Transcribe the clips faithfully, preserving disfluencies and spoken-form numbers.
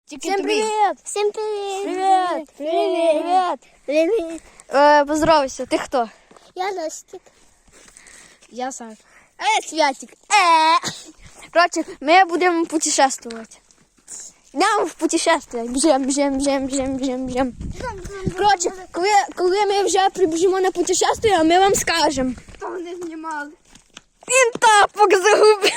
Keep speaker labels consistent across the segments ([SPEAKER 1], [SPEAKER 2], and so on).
[SPEAKER 1] Всем привет!
[SPEAKER 2] Всем привет!
[SPEAKER 1] Привет!
[SPEAKER 2] Привет! Привет!
[SPEAKER 1] Э, поздоровайся, ты кто?
[SPEAKER 2] Я Ростик.
[SPEAKER 1] Я Саша. А я Святик. Э. Короче, мы будем путешествовать. Йдемо в путешествие. Біжим, біжим, біжим, біжим, біжим, біжим. Коротше, коли, коли ми вже прибіжимо на путешествие, ми вам скажемо.
[SPEAKER 2] Хто не знімав?
[SPEAKER 1] Він тапок загубив.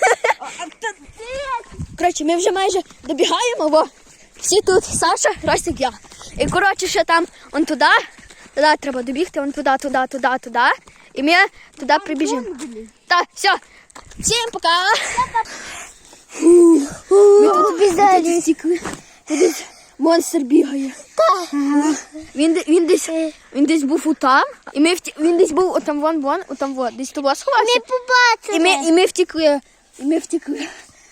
[SPEAKER 1] Коротше, ми вже майже добігаємо, бо всі тут, Саша, Ростик, я. І, коротше, ще там, он туди, туди треба добігти, он туди, туди, туди, туди. І ми туди прибіжимо. Так, все. Всім пока. Ми тут
[SPEAKER 2] Обязательно.
[SPEAKER 1] стікли. Десь монстр бігає. Ага. Він, де- він, десь, він десь був отам, і ми вті... він десь був отам вон, вон, отам вон, десь того сховався.
[SPEAKER 2] Ми побачили.
[SPEAKER 1] І ми, і ми втекли. І ми втекли.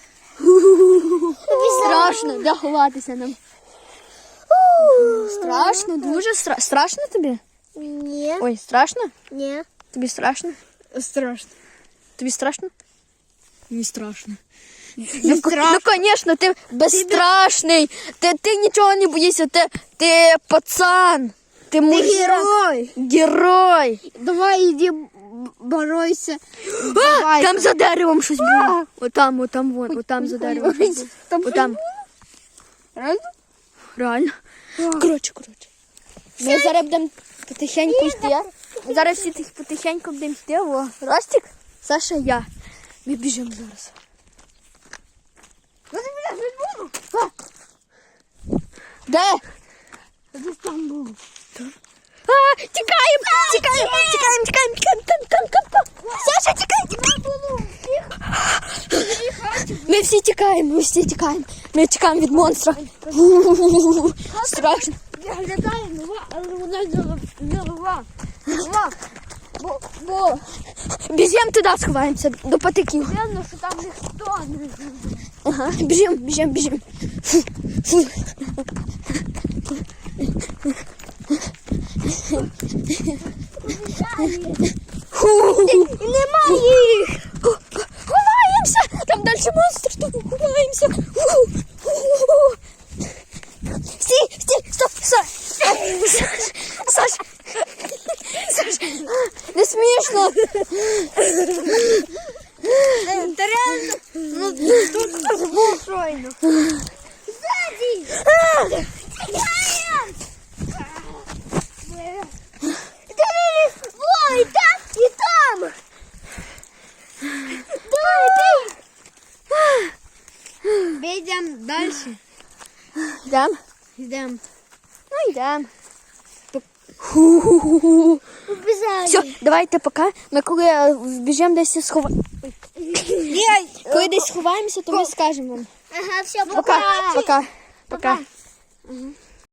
[SPEAKER 1] Страшно, де ховатися нам. Страшно, дуже стра... страшно тобі?
[SPEAKER 2] Ні.
[SPEAKER 1] Ой, страшно?
[SPEAKER 2] Ні.
[SPEAKER 1] Тобі страшно?
[SPEAKER 3] Страшно.
[SPEAKER 1] Тобі страшно?
[SPEAKER 3] Не страшно.
[SPEAKER 1] Ну, ко- ну, конечно, ти безстрашний. Ти, ти нічого не боїшся, ти, ти пацан. Ти мужик.
[SPEAKER 3] герой.
[SPEAKER 1] Герой.
[SPEAKER 3] Давай иди боройся.
[SPEAKER 1] А,
[SPEAKER 3] Давай.
[SPEAKER 1] там за деревом щось було. Отам, отам, вон, отам за деревом. щось було.
[SPEAKER 3] Там
[SPEAKER 1] Отам.
[SPEAKER 3] Реально?
[SPEAKER 1] Реально. Коротше, коротше. Ми зараз будемо потихеньку йти. Ми зараз всі тих потихеньку будемо йти. О, Ростик, Саша, я. Ми біжимо зараз. Де?
[SPEAKER 3] Десь там було.
[SPEAKER 1] А, тікаємо, тікаємо, тікаємо, тікаємо, тікаємо, там, там, там, там. Саша, тікай, тікай. Ми всі тікаємо, ми всі тікаємо. Ми тікаємо від монстра. Страшно.
[SPEAKER 3] Виглядає нова, але вона не нова. Нова. Бо, бо
[SPEAKER 1] Біжимо туди, сховаємося до патиків.
[SPEAKER 3] видно, що там ніхто не живе.
[SPEAKER 1] Ага, біжимо, біжимо, біжимо. Фу, фу. Фу. Немає їх. Ховаємося. Там далі монстр, тому ховаємося. Фу. Фу. Стій, стій, стоп, Саш. Саш. Саш. Не смішно.
[SPEAKER 3] Та реально, ну тут ж був щойно.
[SPEAKER 2] Ой, там і там.
[SPEAKER 3] Йдемо далі.
[SPEAKER 1] Йдемо?
[SPEAKER 3] Йдемо.
[SPEAKER 1] Ну, йдемо. Ху-ху-ху.
[SPEAKER 2] Обязательно.
[SPEAKER 1] Все, давайте пока. Ми коли е, біжимо десь сховаємося. Коли десь сховаємося, то ми скажемо вам.
[SPEAKER 2] Ага, все,
[SPEAKER 1] Пока, пока, пока.
[SPEAKER 3] Ага.